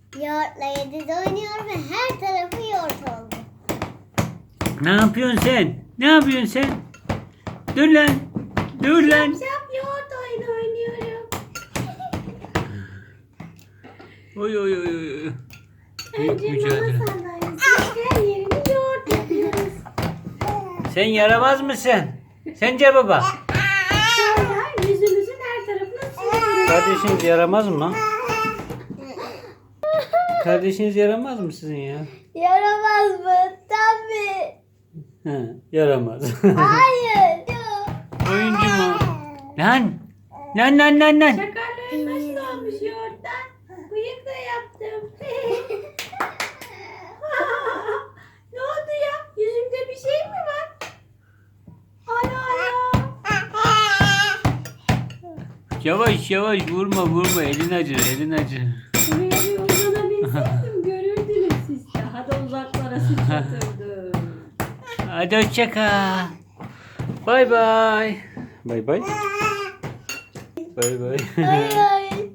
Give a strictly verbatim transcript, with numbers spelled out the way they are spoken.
Yoğurtla yediz oynuyor ve her tarafı yoğurt oldu. Ne yapıyorsun sen? Ne yapıyorsun sen? Dur lan. Dur lan. Şap yoğurt oyunu oynuyorum. Oy oy oy oy. Büyük Önce mücadele. mama sandalyesi her yerini yoğurt yapıyoruz. Sen yaramaz mısın? Sence baba? Sonra yüzümüzün her tarafına sürüyoruz. Kardeşiniz yaramaz mı? Kardeşiniz yaramaz mı sizin ya? Yaramaz mı? Tabii. He, yaramaz. Hayır. Yok. Oyuncu mu? Lan! Lan lan lan lan! Şakarların nasıl olmuş yoğurttan? Bıyık da yaptım. Ne oldu ya? Yüzümde bir şey mi var? Ana ana. Yavaş yavaş vurma vurma elin acır elin acır. Buraya bir uzanabilseydim görürdünüz siz. Daha da uzaklara sıçratırdım. Hadi hoşça kal. Bay bay. Bay bay. Bay bay. Hayır.